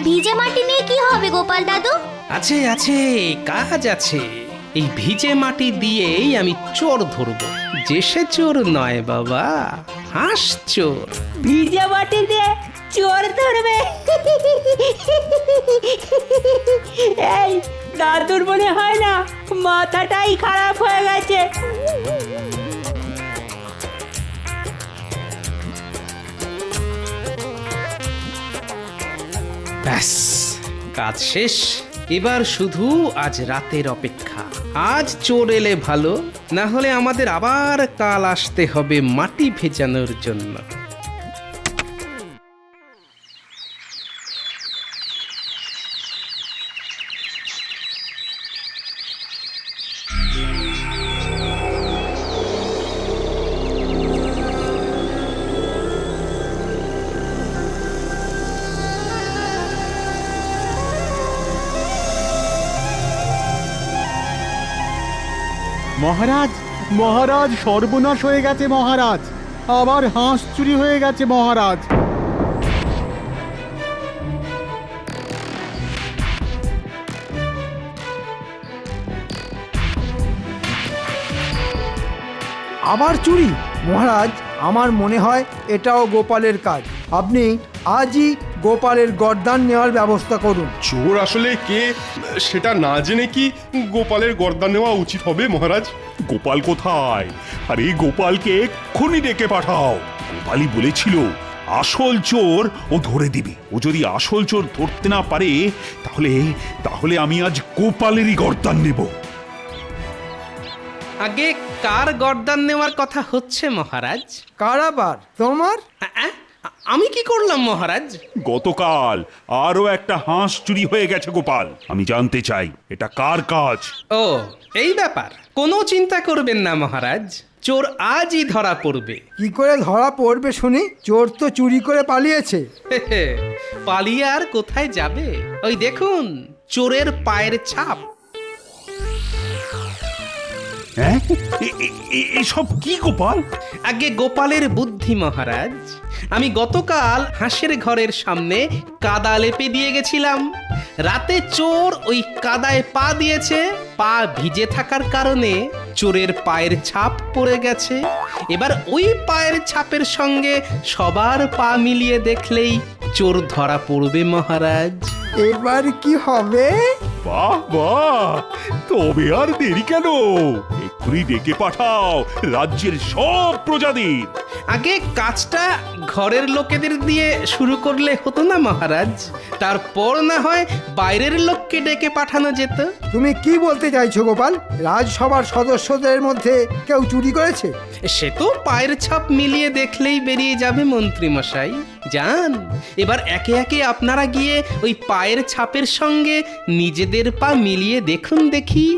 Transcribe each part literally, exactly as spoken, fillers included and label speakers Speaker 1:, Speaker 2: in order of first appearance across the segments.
Speaker 1: ভিজে মাটি নিয়ে কি হবে গোপাল দাদু?
Speaker 2: আছে আছে কাজ আছে। এই ভিজে মাটি দিয়েই আমি চোর ধরবো। যে সে চোর নয় বাবা, হাঁস চোর।
Speaker 3: ভিজে মাটি দিয়ে চোর ধরবে? এই দাদুর মনে হয় না মাথাটাই খারাপ হয়ে গেছে।
Speaker 2: ব্যাস, কাজ শেষ। এবার শুধু আজ রাতের অপেক্ষা। আজ চোর এলে ভালো, না হলে আমাদের আবার কাল আসতে হবে মাটি ভেজানোর জন্য।
Speaker 4: মহারাজ, মহারাজ, সর্বনাশ হয়ে গেছে মহারাজ। আবার হাঁস চুরি হয়ে গেছে মহারাজ।
Speaker 5: আবার চুরি? মহারাজ, আমার মনে হয় এটাও গোপালের কাজ। আপনি আজই গোপালের গর্দান নেওয়ার ব্যবস্থা করুন।
Speaker 6: চোর আসলে কে সেটা না জেনে কি গোপালের গর্দান নেওয়া উচিত হবে মহারাজ?
Speaker 7: গোপাল কোথায়? আরে গোপালকে এক্ষুনি ডেকে পাঠাও। গোপালই বলেছিল আসল চোর ও ধরে দিবে। ও যদি আসল চোর ধরতে না পারে তাহলে তাহলে আমি আজ গোপালেরই গর্দান নেব।
Speaker 2: আগে কার গর্দান নেওয়ার কথা হচ্ছে মহারাজ?
Speaker 5: কারাবার তোমার?
Speaker 2: আ, আমি কি করলাম মহারাজ?
Speaker 7: গতকাল আরো একটা হাঁস চুরি হয়ে গেছে গোপাল। আমি জানতে চাই এটা কার কাজ।
Speaker 2: ও এই ব্যাপার, কোনো চিন্তা করবেন না মহারাজ, চোর আজই ধরা পড়বে।
Speaker 5: কি করে ধরা পড়বে শুনি? চোর তো চুরি করে পালিয়েছে।
Speaker 2: পালিয়ে আর কোথায় যাবে? ওই দেখুন চোরের পায়ের ছাপ।
Speaker 7: হ্যাঁ, এ- এ- এ- এসব কি গোপাল?
Speaker 2: আগে গোপালের বুদ্ধি মহারাজ। আমি গতকাল হাঁসের ঘরের সামনে কাদা লেপে দিয়ে গেছিলাম। রাতে চোর ওই কাদায় পা দিয়েছে। পা ভিজে থাকার কারণে চোরের পায়ের ছাপ পড়ে গেছে। এবার ওই পায়ের ছাপের সঙ্গে সবার পা মিলিয়ে দেখলেই চোর ধরা পড়বে মহারাজ।
Speaker 5: এবার কি হবে?
Speaker 7: বাহ বাহ, তবে আর দেরি কেন? এক্ষুনি ডেকে পাঠাও রাজ্যের সব প্রজাদের।
Speaker 2: আগে কাজটা ঘরের লোকেদের দিয়ে শুরু করলে হতো না মহারাজ? তারপর না হয় বাইরের লোককে ডেকে পাঠানো যেত।
Speaker 5: তুমি কি বলতে চাইছো গোপাল? রাজসভার সদস্যদের মধ্যে কেউ চুরি করেছে?
Speaker 2: সে তো পায়ের ছাপ মিলিয়ে দেখলেই বেরিয়ে যাবে মন্ত্রী মশাই। যান, এবার একে একে আপনারা গিয়ে ওই পায়ের ছাপের সঙ্গে নিজেদের পা মিলিয়ে দেখুন দেখি।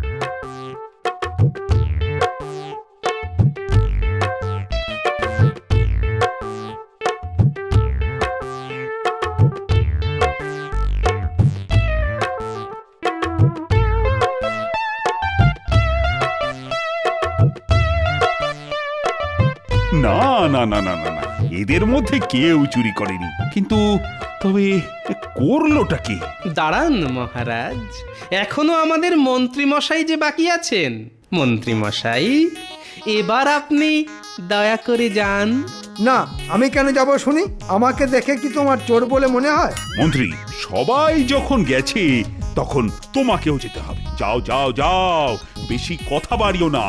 Speaker 7: না না না না না না, এদের মধ্যে কেউ চুরি করেনি। কিন্তু তবে করলোটা কি?
Speaker 2: দাঁড়ান মহারাজ, এখনো আমাদের মন্ত্রী মশাই যে বাকি আছেন। মন্ত্রী মশাই, এবার আপনি দয়া করে যান।
Speaker 5: না, আমি কেন যাব শুনি? আমাকে দেখে কি তোমার চোর বলে মনে হয়?
Speaker 7: মন্ত্রী, সবাই যখন গেছে তখন তোমাকেও যেতে হবে। যাও যাও যাও, বেশি কথা বাড়িও না।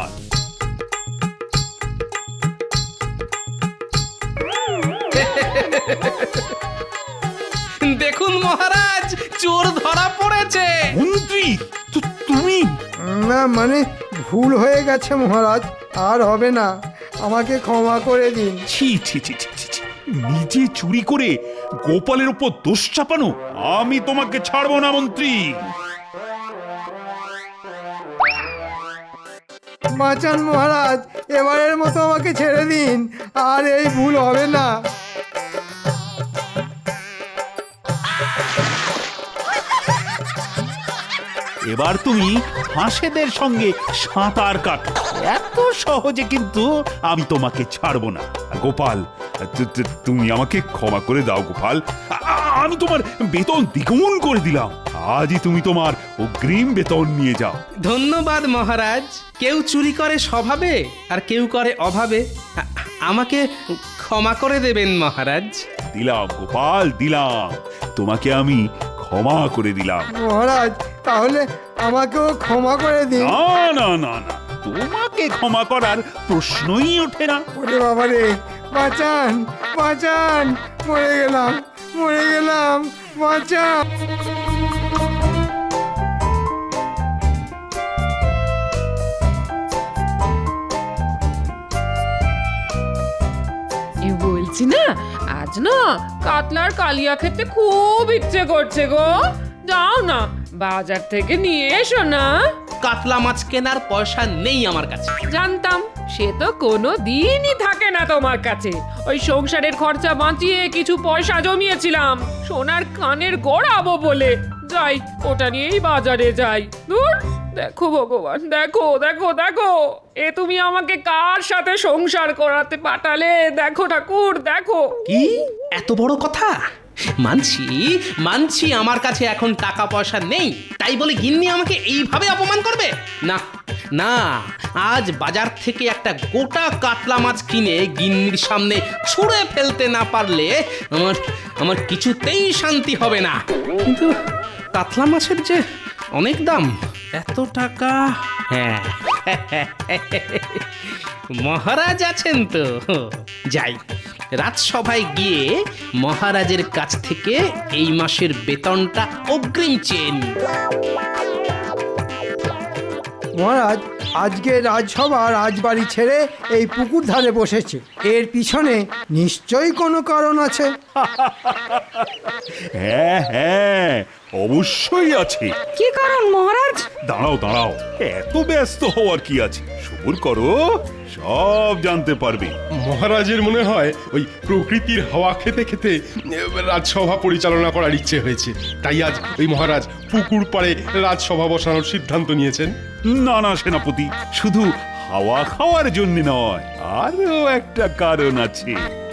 Speaker 2: দেখুন মহারাজ, চোর ধরা পড়েছে।
Speaker 7: মন্ত্রী, তু- তুমি?
Speaker 5: না মানে ভুল হয়ে গেছে মহারাজ, আর হবে না, আমাকে ক্ষমা করে দিন।
Speaker 7: ছি ছি ছি ছি ছি ছি। নিজে চুরি করে গোপালের উপর দোষ চাপানো? আমি তোমাকে ছাড়বো না মন্ত্রী।
Speaker 5: বাঁচান মহারাজ, এবারের মতো আমাকে ছেড়ে দিন, আর এই ভুল হবে না।
Speaker 7: এবার তুমি হাঁসেদের সঙ্গে সাঁতার কাটো। এত সহজে কিন্তু আমি তোমাকে ছাড়বো না। আর গোপাল, তু- তু- তুমি আমাকে ক্ষমা করে দাও গোপাল। আ- আ- আমি তোমার বেতন দ্বিগুণ করে দিলাম। আজই তুমি তোমার অগ্রিম বেতন নিয়ে যাও।
Speaker 2: ধন্যবাদ মহারাজ। কেউ চুরি করে স্বভাবে আর কেউ করে অভাবে। আ- আমাকে ক্ষমা করে দেবেন মহারাজ।
Speaker 7: দিলাম গোপাল, দিলাম। তোমাকে আমি ক্ষমা করে দিলাম।
Speaker 5: মহারাজ তাহলে আমাকেও ক্ষমা করে দিন।
Speaker 7: না না না না, তোমাকে ক্ষমা করার প্রশ্নই ওঠে না।
Speaker 5: ওরে বাবা রে, বাঁচান বাঁচান, মরে গেলাম মরে গেলাম, বাঁচান।
Speaker 8: এ বলছি না, আজ না কাতলার কালিয়া খেতে খুব ইচ্ছে করছে গো। যাও না, বাজার থেকে নিয়ে এসো না।
Speaker 2: কাতলা মাছ কেনার পয়সা নেই আমার কাছে।
Speaker 8: জানতাম, সে তো কোনো দিনই থাকে না তোমার কাছে। ওই সংসারের খরচা বাঁচিয়ে কিছু পয়সা জমিয়েছিলাম সোনার কানের গড়াবো বলে। যাই, ওটা নিয়েই বাজারে যাই। দূর, দেখো ভগবান, দেখো দেখো দেখো, এ তুমি আমাকে কার সাথে সংসার করাতে পাঠালে? দেখো ঠাকুর, দেখো।
Speaker 2: কি এত বড় কথা? মানছি মানছি আমার কাছে এখন টাকা পয়সা নেই, তাই বলে গিন্নি আমাকে এইভাবে অপমান করবে? না না, আজ বাজার থেকে একটা গোটা কাতলা মাছ কিনে গিন্নির সামনে ছুঁড়ে ফেলতে না পারলে আমার আমার কিছুতেই শান্তি হবে না। কিন্তু কাতলা মাছের যে অনেক দাম, এত টাকা। হ্যাঁ, মহারাজ আছেন তো, যাই রাজসভায় গিয়ে মহারাজের কাছ থেকে এই মাসের বেতনটা অগ্রিম চেয়ে নিই।
Speaker 5: মহারাজ আজকে রাজসভা রাজবাড়ি ছেড়ে এই পুকুর ধারে বসেছে, এর পিছনে নিশ্চয়ই কোনো কারণ আছে।
Speaker 7: হ্যাঁ হ্যাঁ, অবশ্যই আছে।
Speaker 3: কি কারণ মহারাজ?
Speaker 7: দাঁড়াও দাঁড়াও, এত ব্যস্ত হওয়ার কি আছে? সবুর করো, সব জানতে পারবে।
Speaker 6: মহারাজের মনে হয় ওই প্রকৃতির হাওয়া খেতে খেতে এ, রাজসভা পরিচালনা করার ইচ্ছে হয়েছে, তাই আজ ওই মহারাজ পুকুর পাড়ে রাজসভা বসানোর সিদ্ধান্ত নিয়েছেন।
Speaker 7: না না সেনাপতি, শুধু হাওয়া খাওয়ার জন্য নয়, আরো একটা কারণ আছে।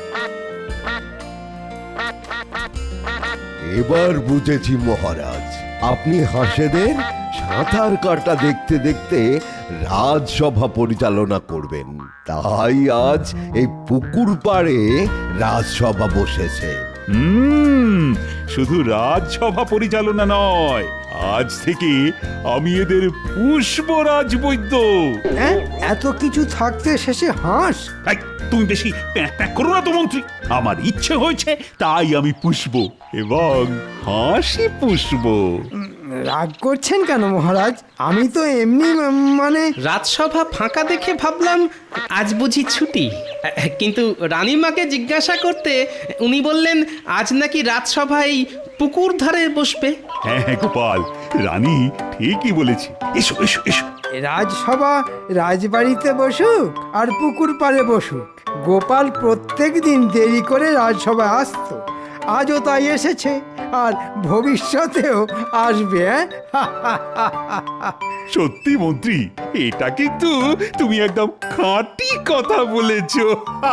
Speaker 9: এবার বুঝেছি মহারাজ, আপনি হাঁসেদের সাঁতার কাটা দেখতে দেখতে রাজসভা পরিচালনা করবেন, তাই আজ এই পুকুর পাড়ে রাজসভা বসেছে।
Speaker 7: হুম, শুধু রাজসভা পরিচালনা নয়, আজ থেকে আমি এদের পুষ্পরাজ বৈদ্য।
Speaker 5: হ্যাঁ, এত কিছু থাকতে শেষে হাঁস?
Speaker 7: এই, তুমি বেশি প্যাঁক প্যাঁক করো না তো মন্ত্রী। আমার ইচ্ছে হয়েছে তাই আমি পুষবো, এবং হাসি পুষবো।
Speaker 5: রাগ করছেন কেন মহারাজ? আমি তো এমনি উম, মানে
Speaker 2: রাজসভা ফাঁকা দেখে ভাবলাম আজ বুঝি ছুটি, কিন্তু রানীমাকে জিজ্ঞাসা করতে উনি বললেন আজ নাকি রাজসভা এই পুকুর ধারে বসবে।
Speaker 7: হ্যাঁ হ্যাঁ গোপাল, রানী ঠিকই বলেছে। এসো এসো এসো।
Speaker 5: রাজসভা রাজবাড়িতে বসুক আর পুকুর পাড়ে বসুক, গোপাল প্রত্যেক দিন দেরি করে রাজসভায় আসতো, আজও তাই এসেছে আর ভবিষ্যতেও আসবে। হ্যাঁ?
Speaker 7: সত্যি মন্ত্রী, এটা কিন্তু তুমি একদম খাঁটি কথা বলেছো।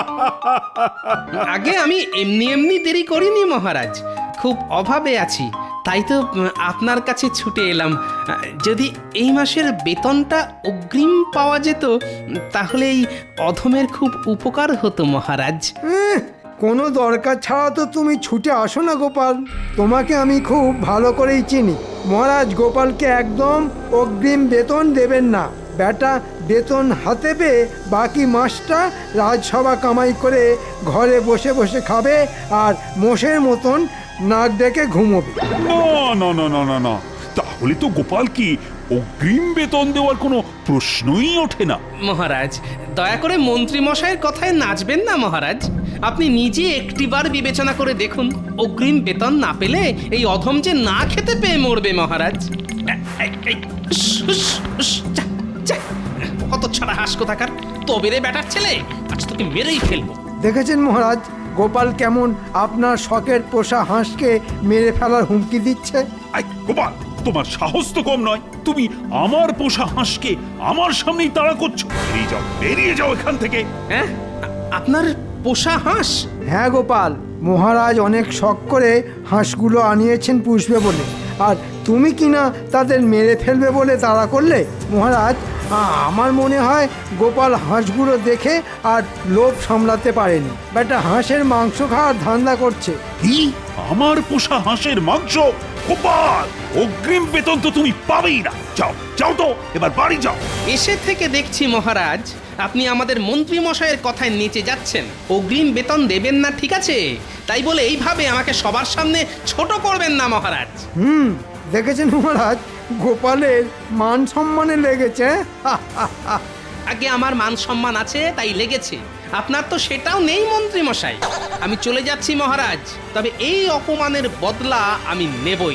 Speaker 2: আগে আমি এমনি এমনি দেরি করিনি মহারাজ, খুব অভাবে আছি, তাই তো উম, আপনার কাছে ছুটে এলাম। আহ, যদি এই মাসের বেতনটা অগ্রিম পাওয়া যেত তাহলে এই অধমের খুব উপকার হতো মহারাজ।
Speaker 5: এহ, কোনো দরকার ছাড়া তো তুমি ছুটে আসো না গোপাল, তোমাকে আমি খুব ভালো করেই চিনি। মহারাজ গোপালকে একদম অগ্রিম বেতন দেবেন না, বেটা বেতন হাতে পেয়ে বাকি মাসটা রাজসভা কামাই করে ঘরে বসে বসে খাবে আর মোষের মতন নাক ডেকে ঘুমোবে।
Speaker 7: না না না না না না, তাহলে তো গোপাল কি অগ্রিম বেতন দেওয়ার কোনো প্রশ্নই ওঠে না।
Speaker 2: মহারাজ দয়া করে মন্ত্রী মশাইয়ের কথায় নাচবেন না মহারাজ, আপনি নিজে একটিবার বিবেচনা করে দেখুন, অগ্রিম বেতন না পেলে এই অধম যে না খেতে পেয়ে মরবে মহারাজ। এ- এ- এই, উস, উস, উস, যা, যা। কত ছাড়া হাস কোথাকার, তবে রে বেটার ছেলে, আজ তোকে মেরেই ফেলবো।
Speaker 5: দেখেছেন মহারাজ গোপাল কেমন আপনার শখের পোষা হাঁসকে মেরে ফেলার হুমকি দিচ্ছে।
Speaker 7: আই গোপাল, তোমার সাহস তো কম নয়, তুমি আমার পোষা হাঁসকে আমার সামনেই তাড়া করছো। বেরিয়ে যাও, বেরিয়ে যাও এখান থেকে।
Speaker 2: হ্যাঁ, আ- আপনার পোষা হাঁস?
Speaker 5: হ্যাঁ গোপাল, মহারাজ অনেক শখ করে হাঁসগুলো আনিয়েছেন পুষবে বলে, আর তুমি কিনা তাদের মেরে ফেলবে বলে তাড়া করলে। মহারাজ, আ- আমার মনে হয় গোপাল হাঁসগুলো দেখে আর লোভ সামলাতে পারেনি, বেটা হাঁসের মাংস খাওয়ার ধান্দা করছে।
Speaker 7: কি আমার পোষা হাঁসের মাংস? গোপাল, অগ্রিম বেতন তো তুমি পাবেই না। যাও যাও তো, এবার বাড়ি যাও।
Speaker 2: এসে থেকে দেখছি মহারাজ, আপনি আমাদের মন্ত্রী মশাইয়ের কথায় নেচে যাচ্ছেন। অগ্রিম বেতন দেবেন না ঠিক আছে, তাই বলে এইভাবে আমাকে সবার সামনে ছোট করবেন না মহারাজ।
Speaker 5: হুম, দেখেছেন মহারাজ, গোপালের মান সম্মানে লেগেছে।
Speaker 2: আগে আমার মান সম্মান আছে তাই লেগেছে, আপনার তো সেটাও নেই মন্ত্রী মশাই। আমি চলে যাচ্ছি মহারাজ, তবে এই অপমানের বদলা আমি নেবই।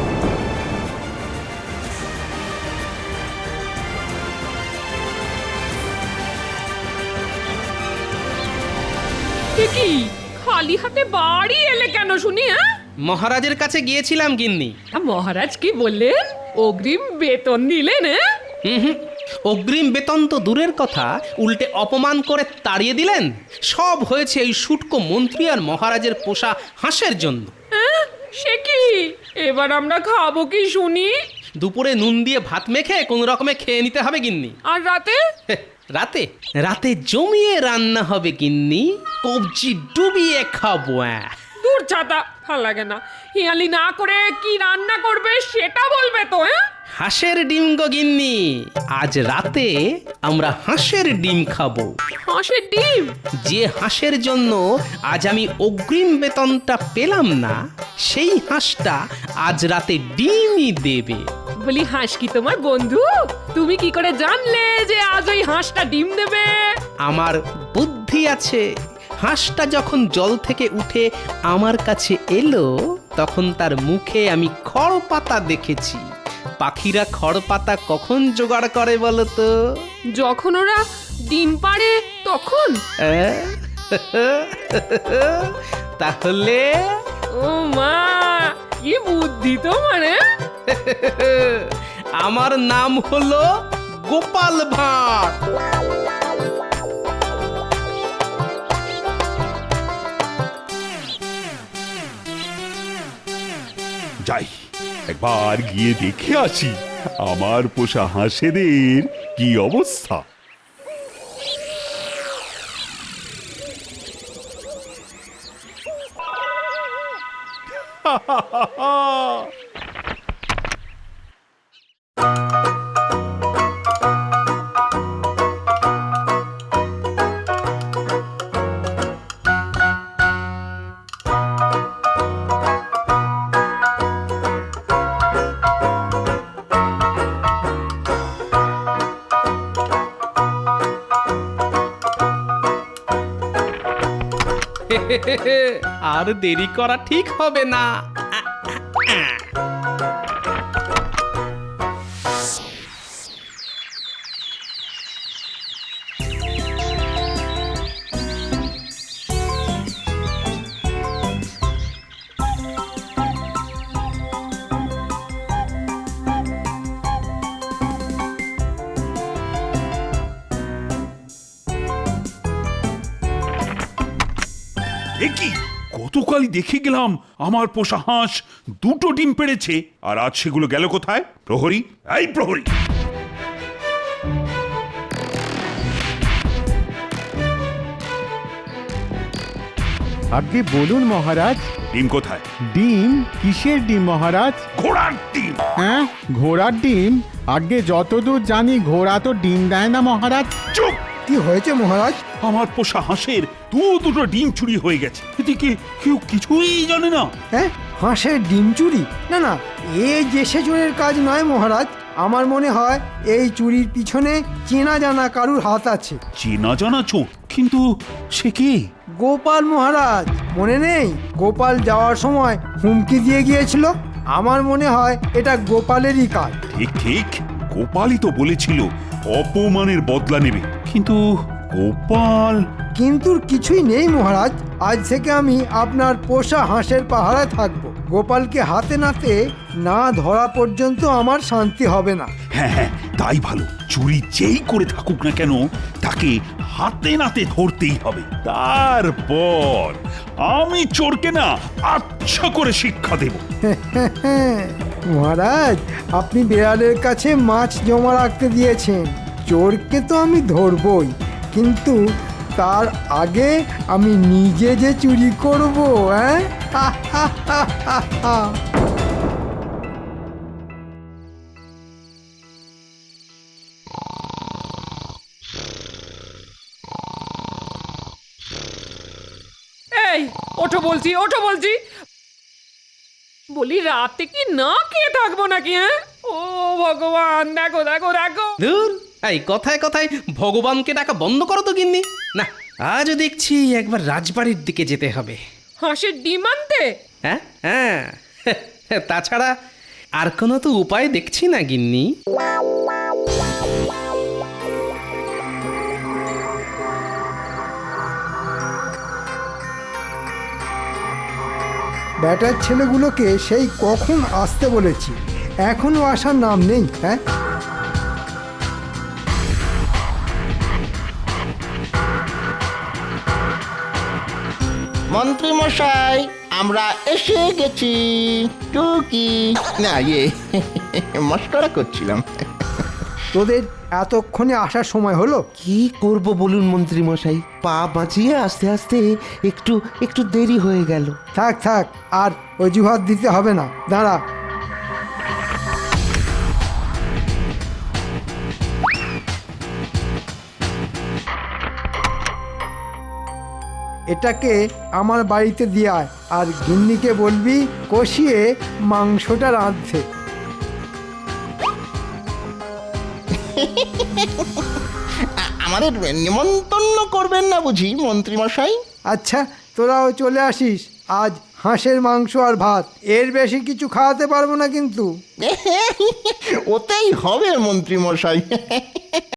Speaker 8: এ কি খালি হাতে বাড়ি এলে কেন শুনি? হ্যাঁ,
Speaker 2: মহারাজের কাছে গিয়েছিলাম গিন্নি।
Speaker 8: মহারাজ কি বললেন? অগ্রিম বেতন দিলেন? হ্যাঁ,
Speaker 2: হুম হুম, অগ্রিম বেতন তো দূরের কথা, উল্টে অপমান করে তাড়িয়ে দিলেন। সব হয়েছে এই শুটকো মন্ত্রী আর মহারাজের পোষা হাঁসের জন্য।
Speaker 8: হ্যাঁ, সে কি? এবার আমরা খাবো কি শুনি?
Speaker 2: দুপুরে নুন দিয়ে ভাত মেখে কোনো রকমে খেয়ে নিতে হবে গিন্নি।
Speaker 8: আর রাতে?
Speaker 2: হে, রাতে রাতে জমিয়ে রান্না হবে গিন্নি, কবজি ডুবিয়ে খাবো। আহ।
Speaker 8: দূর ছাতা, ভাল লাগে না। হিয়ালি না করে কি রান্না করবে সেটা বলবে তো। হ্যাঁ,
Speaker 2: হাঁসের ডিম গো গিন্নি, আজ রাতে আমরা হাঁসের ডিম খাবো।
Speaker 8: হাঁসের ডিম?
Speaker 2: যে হাঁসের জন্য আজ আমি অগ্রিম বেতনটা পেলাম না, সেই হাঁসটা আজ রাতে ডিমই দেবে।
Speaker 8: বলি, হাঁস কি তোমার বন্ধু? তুমি কি করে জানলে যে আজ ওই হাঁসটা ডিম দেবে?
Speaker 2: আমার বুদ্ধি আছে। হাঁসটা যখন জল থেকে উঠে আমার কাছে এলো, তখন তার মুখে আমি খড় পাতা দেখেছি। পাখিরা খড় পাতা কখন জোগাড় করে বলো তো?
Speaker 8: যখন ওরা ডিম পাড়ে তখন।
Speaker 2: আহ? তাহলে
Speaker 8: ও মা, কি বুদ্ধি তোমার! হ্যাঁ?
Speaker 2: আমার নাম হলো গোপাল ভাঁড়।
Speaker 7: যাই, একবার গিয়ে দেখে আসি আমার পোষা হাঁসেদের কি অবস্থা।
Speaker 2: আর দেরি করা ঠিক হবে না।
Speaker 7: কি গতকালই দেখে গেলাম আমার পোষা হাঁস দুটো ডিম পেড়েছে, আর আজ সেগুলো গেল কোথায়? প্রহরী, এই প্রহরী!
Speaker 4: আগে বলুন মহারাজ।
Speaker 7: ডিম কোথায়?
Speaker 4: ডিম? কিসের ডিম মহারাজ?
Speaker 7: ঘোড়ার ডিম।
Speaker 4: হ্যাঁ, ঘোড়ার ডিম? আগে যতদূর জানি ঘোড়া তো ডিম দেয় না মহারাজ।
Speaker 7: চুপ!
Speaker 5: কি হয়েছে মহারাজ?
Speaker 7: আমার পোষা হাঁসের দু দুটো ডিম চুরি হয়ে গেছে, এদিকে কেউ কিছুই জানে না।
Speaker 5: হ্যাঁ, হাঁসের ডিম চুরি? না না, এ যে সে চোরের কাজ নয় মহারাজ। আমার মনে হয় এই চুরির পিছনে চেনা জানা কারুর হাত আছে।
Speaker 7: চেনা জানা চোর? কিন্তু সে কে?
Speaker 5: গোপাল মহারাজ, মনে নেই? গোপাল যাওয়ার সময় হুমকি দিয়ে গিয়েছিল। আমার মনে হয় এটা গোপালেরই কাজ।
Speaker 7: ঠিক ঠিক, গোপালই তো বলেছিল অপমানের বদলা নেবে, কিন্তু গোপাল।
Speaker 5: কিন্তু কিছুই নেই মহারাজ। আজ থেকে আমি আপনার পোষা হাঁসের পাহারায় থাকবো। গোপালকে হাতে নাতে না ধরা পর্যন্ত আমার শান্তি হবে না।
Speaker 7: হ্যাঁ হ্যাঁ, তাই ভালো। চুরি যেই করে থাকুক না কেন তাকে হাতে নাতে ধরতেই হবে। তারপর আমি চোরকে না আচ্ছা করে শিক্ষা দেব।
Speaker 5: মহারাজ আপনি বিড়ালের কাছে মাছ জমা রাখতে দিয়েছেন, চোরকে তো আমি ধরবই, কিন্তু তার আগে আমি নিজে যে চুরি করব, হ্যাঁ?
Speaker 8: এই ওঠো বলছি, ওঠো বলছি। বলি রাতে কি না খেয়ে থাকবো নাকি? হ্যাঁ, ও ভগবান, দেখো দেখো দেখো।
Speaker 2: ধুর, এই কথায় কথায় ভগবানকে ডাকা বন্ধ করো তো গিন্নি। না, আজও দেখছি একবার রাজবাড়ির দিকে যেতে হবে।
Speaker 8: হাঁসের ডিম আনতে?
Speaker 2: হ্যাঁ হ্যাঁ, তাছাড়া আর কোনো তো উপায় দেখছি না গিন্নি।
Speaker 5: ব্যাটার ছেলেগুলোকে সেই কখন আসতে বলেছি, এখনো আসার নাম নেই। হ্যাঁ,
Speaker 10: মন্ত্রী মশাই, আমরা এসে গেছি। টুকি না, ইয়ে মস্করা করছিলাম।
Speaker 5: তোদের এতক্ষণে আসার সময় হলো?
Speaker 10: কি করব বলুন মন্ত্রী মশাই, পা বাঁচিয়ে আস্তে আস্তে একটু একটু দেরি হয়ে গেল।
Speaker 5: থাক থাক, আর অজুহাত দিতে হবে না, দাঁড়া। এটাকে আমার বাড়িতে দিয়ে আয়, আর গিন্নিকে বলবি কষিয়ে মাংসটা রাঁধতে।
Speaker 10: আমাদের নিমন্ত্রণ করবেন না বুঝি মন্ত্রী মশাই?
Speaker 5: আচ্ছা, তোরাও চলে আসিস। আজ হাঁসের মাংস আর ভাত, এর বেশি কিছু খাওয়াতে পারবো না কিন্তু।
Speaker 10: ওতেই হবে মন্ত্রী মশাই।